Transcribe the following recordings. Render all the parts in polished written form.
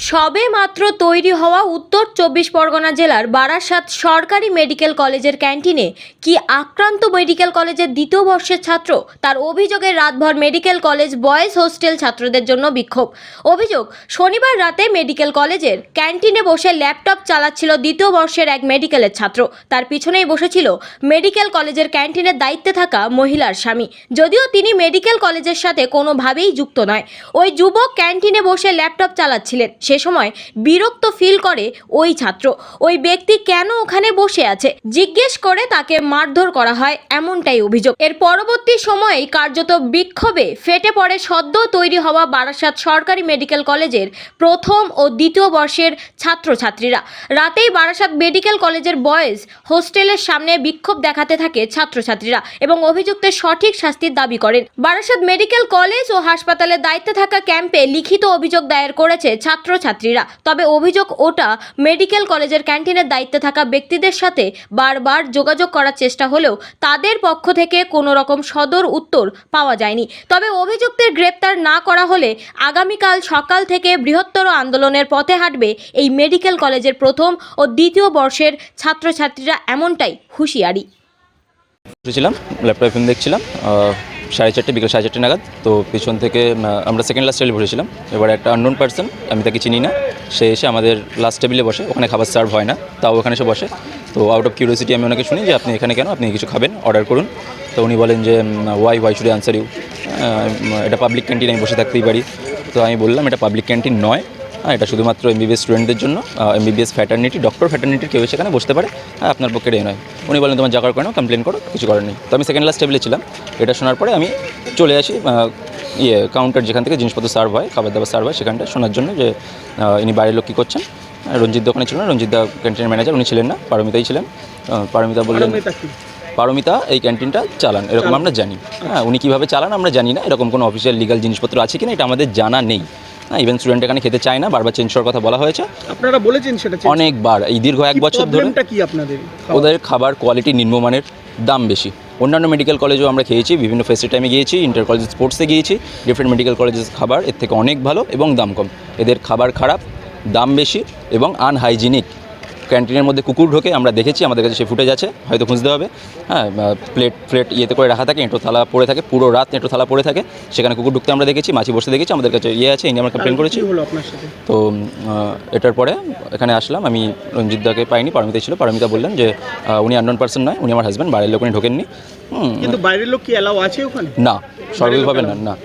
সবে মাত্র তৈরি হওয়া উত্তর ২৪ পরগনা জেলার বারাসাত সরকারি মেডিকেল কলেজের ক্যান্টিনে কি আক্রান্ত মেডিকেল কলেজের দ্বিতীয় বর্ষের ছাত্র। তার অভিযোগে রাতভর মেডিকেল কলেজ বয়েজ হোস্টেল ছাত্রদের জন্য বিক্ষোভ। অভিযোগ, শনিবার রাতে মেডিকেল কলেজের ক্যান্টিনে বসে ল্যাপটপ চালাচ্ছিল দ্বিতীয় বর্ষের এক মেডিকেলের ছাত্র। তার পিছনেই বসেছিল মেডিকেল কলেজের ক্যান্টিনের দায়িত্বে থাকা মহিলার স্বামী। যদিও তিনি মেডিকেল কলেজের সাথে কোনোভাবেই যুক্ত নয়, ওই যুবক ক্যান্টিনে বসে ল্যাপটপ চালাচ্ছিলেন। সে সময় বিরক্ত ফিল করে ওই ছাত্র। ওই ব্যক্তি কেন ওখানে বসে আছে জিজ্ঞেস করে তাকে মারধর করা হয়, এমনটাই অভিযোগ। এর পরবর্তী সময়েই কার্যত বিক্ষোভে ফেটে পড়ে সদ্য তৈরি হওয়া বারাসাত সরকারি মেডিকেল কলেজের প্রথম ও দ্বিতীয় বর্ষের ছাত্রছাত্রীরা। রাতেই বারাসাত মেডিকেল কলেজের বয়েজ হোস্টেলের সামনে বিক্ষোভ দেখাতে থাকে ছাত্রছাত্রীরা এবং অভিযুক্তের সঠিক শাস্তির দাবি করেন। বারাসাত মেডিকেল কলেজ ও হাসপাতালের দায়িত্বে থাকা ক্যাম্পে লিখিত অভিযোগ দায়ের করেছে ছাত্রছাত্রীরা। তবে অভিযোগ ওটা মেডিকেল কলেজের ক্যান্টিনের দায়িত্বে থাকা ব্যক্তিদের সাথে বারবার যোগাযোগ করার চেষ্টা হলেও তাদের পক্ষ থেকে কোনো রকম সদর উত্তর পাওয়া যায়নি। তবে অভিযুক্তের গ্রেপ্তার না করা হলে আগামীকাল সকাল থেকে বৃহত্তর আন্দোলনের পথে হাঁটবে এই মেডিকেল কলেজের প্রথম ও দ্বিতীয় বর্ষের ছাত্রছাত্রীরা, এমনটাই হুঁশিয়ারি। বসেছিলাম, ল্যাপটপে ফিল্ম দেখছিলাম 4:30 বিকেল 4:30 নাগাদ। তো পিছন থেকে আমরা সেকেন্ড লাস্ট টেবিলে বসেছিলাম। এবার একটা আননোন পার্সন, আমি তাকে চিনি না, সে এসে আমাদের লাস্ট টেবিলে বসে। ওখানে খাবার সার্ভ হয় না, তাও ওখানে এসে বসে। তো আউট অফ কিউরিওসিটি আমি ওনাকে শুনি যে আপনি এখানে কেন, আপনি কিছু খাবেন, অর্ডার করুন। তো উনি বলেন যে ওয়াই শুড আনসার ইউ, এটা পাবলিক ক্যান্টিন, আমি বসে থাকতেই পারি। তো আমি বললাম এটা পাবলিক ক্যান্টিন নয়, এটা শুধুমাত্র এমবিবিএস স্টুডেন্টদের জন্য, এমবিবিএস ফ্যাটার্নিটি, ডক্টর ফ্যাটার্নিটির কেউ সেখানে বসতে পারে, আপনার পক্ষে এ নয়। উনি বলেন তোমার যা করার করে নাও, কমপ্লেন করো, কিছু করার নেই। তো আমি সেকেন্ড লাস্ট টেবিলে ছিলাম। এটা শোনার পরে আমি চলে আসি কাউন্টার, যেখান থেকে জিনিসপত্র সার্ভ হয়, খাবার দাবার সার্ভ হয়, সেখানটা শোনার জন্য যে ইনি বাইরের লোক কী করছেন। রঞ্জিত ওখানে ছিল না, রঞ্জিত দা ক্যান্টিনের ম্যানেজার, উনি ছিলেন না, পারমিতাই ছিলেন। পারমিতা বললেন পারমিতা এই ক্যান্টিনটা চালান, এরকম আমরা জানি। হ্যাঁ, উনি কীভাবে চালান আমরা জানি না, এরকম কোনো অফিসিয়াল লিগাল জিনিসপত্র আছে কিনা এটা আমাদের জানা নেই। হ্যাঁ, ইভেন স্টুডেন্ট এখানে খেতে চায় না, বারবার চেঞ্জ করার কথা বলা হয়েছে। আপনারা বলেছেন সেটা অনেকবার, এই দীর্ঘ 1 বছর ধরে। কি আপনাদের ওদের খাবার কোয়ালিটি নিম্নমানের, দাম বেশি। অন্যান্য মেডিকেল কলেজেও আমরা খেয়েছি, বিভিন্ন ফেস্টি টাইমে গিয়েছি, ইন্টার কলেজ স্পোর্টসে গিয়েছি, ডিফারেন্ট মেডিকেল কলেজের খাবার এর থেকে অনেক ভালো এবং দাম কম। এদের খাবার খারাপ, দাম বেশি এবং আনহাইজিনিক। ক্যান্টিনের মধ্যে কুকুর ঢোকে, আমরা দেখেছি, আমাদের কাছে সে ফুটেজ আছে, হয়তো খুঁজতে হবে। হ্যাঁ, প্লেট ইয়েতে করে রাখা থাকে, এঁটো থালা পড়ে থাকে, পুরো রাত এঁটো থালা পড়ে থাকে, সেখানে কুকুর ঢুকতে আমরা দেখেছি, মাছি বসে দেখেছি, আমাদের কাছে আছে, এই নিয়ে আমরা কমপ্লেন করেছি। তো এটার পরে এখানে আসলাম, আমি রঞ্জিতদাকে পাইনি, পারমিতা ছিল। পারমিতা বললেন যে উনি আননোন পার্সন নয়, উনি আমার হাজব্যান্ড, বাইরের লোক উনি ঢোকেননি। কিন্তু বাইরের লোক কি অ্যালাউ আছে ওখানে? না, স্বাভাবিকভাবে না।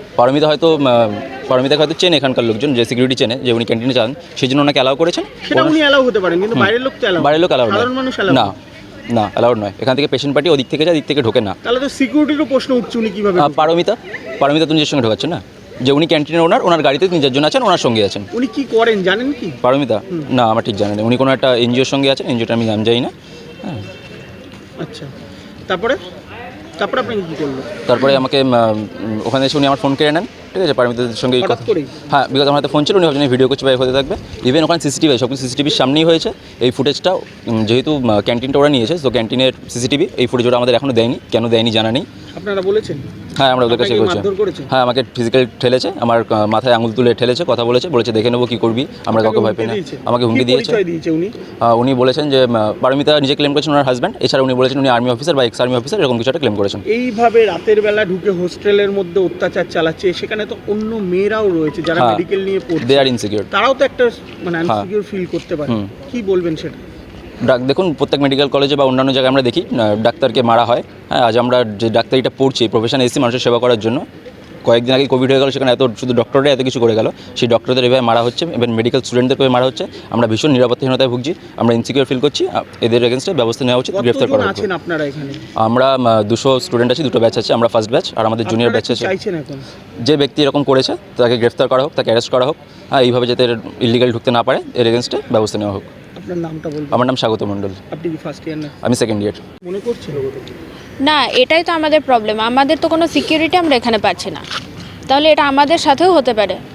পারমিতাকে হয়তো চেনে এখানকার লোকজন, যে সিকিউরিটি চেনে, যে উনি ক্যান্টিনে চান, সেই জন্য ওনাকে অ্যালাউ করেছেন। সেটা উনি অ্যালাউ হতে পারেন, কিন্তু বাইরের লোক তো অ্যালাউ, বাইরের লোক অ্যালাউ না, না অ্যালাউড নয়। এখান থেকে পেশেন্ট পার্টি ওদিক থেকে যায়, দিক থেকে ঢোকে না। তাহলে তো সিকিউরিটিরও প্রশ্ন উঠছে, উনি কীভাবে? পারমিতা তো নিজের সঙ্গে ঢোকাচ্ছেন না, যে উনি ক্যান্টিনের ওনার গাড়িতে নিজের জন্য আছেন, ওনার সঙ্গে আছেন। উনি কি করেন জানেন কি পারমিতা? না, আমার ঠিক জানেন। উনি কোনো একটা এনজিওর সঙ্গে আছেন, এনজিওটা আমি নাম জানি না। হ্যাঁ, আচ্ছা, তারপরে আপনি কী করলো? তারপরে আমাকে ওখানে এসে উনি আমার ফোন কেড়ে নেন। ঠিক আছে, পারমিতাদের সঙ্গে কথা। হ্যাঁ, বিকজ আমার হাতে ফোন ছিল, উনি ভাবছেন ভিডিও করছে বা হতে থাকবে। ইভেন ওখানে সিসিটিভি, সব কিছু সিসিটিভির সামনেই হয়েছে। এই ফুটেজটা যেহেতু ক্যান্টিনটা ওরা নিয়েছে, তো ক্যান্টিনের সিসিটিভি, এই ফুটেজ ওরা আমাদের এখনও দেয়নি। কেন দেয়নি জানা নেই। আপনারা বলেছেন? হ্যাঁ, আমরা ওদের কাছে বলছি। হ্যাঁ, আমাকে ফিজিক্যাল ঠেলেছে, আমার মাথায় আঙুল তুলে ঠেলেছে, কথা বলেছে দেখে নেবো কী করবি, আমরা কাউকে ভয় পাই না। আমাকে হুমকি দিয়েছে। উনি বলেছেন যে পারমিতা নিজে ক্লেম করেছেন ওনার হাজব্যান্ড, এছাড়া উনি বলেছেন উনি আর্মি অফিসার বা এক্স আর্মি অফিসার, এরকম কিছু একটা ক্লেম করেছেন। এইভাবে রাতের বেলা ঢুকে হোস্টেলের মধ্যে অত্যাচার চালাচ্ছে, সেখানে তো অন্য মেয়েরাও রয়েছে যারা মেডিকেল নিয়ে পড়ছে, দে আর ইনসিকিউর, তারাও তো একটা আনসিকিউর ফিল করতে পারে। কি বলবেন সেটা? দেখুন, প্রত্যেক মেডিকেল কলেজে বা অন্যান্য জায়গায় আমরা দেখি ডাক্তারকে মারা হয়। হ্যাঁ, আজ আমরা যে ডাক্তারিটা পড়ছি, প্রফেশন এসেছি মানুষের সেবা করার জন্য। কয়েকদিন আগে কোভিড হয়ে গেল, সেখানে শুধু ডক্টররা এত কিছু করে গেল, সেই ডক্টরদের এভাবে মারা হচ্ছে, এবং মেডিকেল স্টুডেন্টদেরকে মারা হচ্ছে। আমরা ভীষণ নিরাপত্তাহীনতায় ভুগছি, আমরা ইনসিকিউর ফিল করছি। এদের এগেনস্টে ব্যবস্থা নেওয়া উচিত, গ্রেফতার করা উচিত। আমরা 200 স্টুডেন্ট আছি, 2টো ব্যাচ আছে, আমরা ফার্স্ট ব্যাচ, আর আমাদের জুনিয়র ব্যাচ আছে। যে ব্যক্তি এরকম করেছে তাকে গ্রেফতার করা হোক, তাকে অ্যারেস্ট করা হোক। হ্যাঁ, এইভাবে যাতে ইলিগাল ঢুকতে না পারে, এর এগেনস্টে ব্যবস্থা নেওয়া হোক। আমার নাম স্বাগত মণ্ডল। আপনি কি ফার্স্ট ইয়ার না? আমি সেকেন্ড ইয়ার। মনে করছেন না, এটাই তো আমাদের প্রবলেম, আমাদের তো কোনো সিকিউরিটি আমরা এখানে পাচ্ছি না। তাহলে এটা আমাদের সাথেও হতে পারে।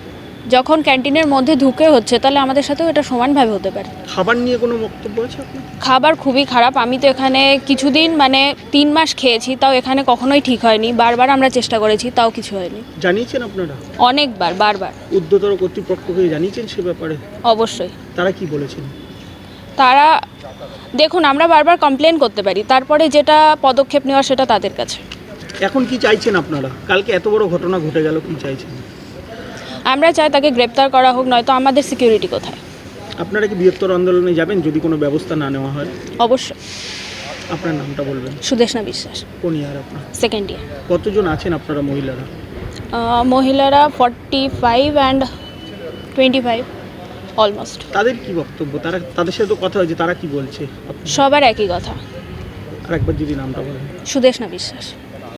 যখন ক্যান্টিনের মধ্যে ঢুকে হচ্ছে তাহলে আমাদের সাথেও এটা সমানভাবে হতে পারে। খাবার নিয়ে কোনো বক্তব্য আছে আপনার? খাবার খুবই খারাপ। আমি তো এখানে কিছুদিন 3 মাস খেয়েছি, তাও এখানে কখনোই ঠিক হয়নি। বারবার আমরা চেষ্টা করেছি, তাও কিছু হয়নি। জানিয়েছেন আপনারা? অনেকবার, বারবার। ঊর্ধ্বতর কর্তৃপক্ষকে জানিয়েছেন সে ব্যাপারে? অবশ্যই। তারা কি বলেছেন? তারা দেখুন, আমরা বারবার কমপ্লেন করতে পারি, তারপরে যেটা পদক্ষেপ নেওয়া সেটা তাদের কাছে। এখন কি চাইছেন আপনারা? কালকে এত বড় ঘটনা ঘটে গেল, কি চাইছেন? আমরা চাই তাকে গ্রেপ্তার করা হোক, নয়তো আমাদের সিকিউরিটি কোথায়? আপনারা কি বৃহত্তর আন্দোলনে যাবেন যদি কোনো ব্যবস্থা না নেওয়া হয়? অবশ্যই। আপনার নামটা বলবেন। সুদেশনা বিশ্বাস, কোন ইয়ার আপনার? Second year. কতজন আছেন আপনারা মহিলারা? মহিলারা 45 অ্যান্ড 25 অলমোস্ট। তাদের কি বক্তব্য? তাদের সাথে তো কথা হয়েছে, তারা কি বলছে? সবার একই কথা। আর একবার যদি নামটা বলেন। সুদেশনা বিশ্বাস।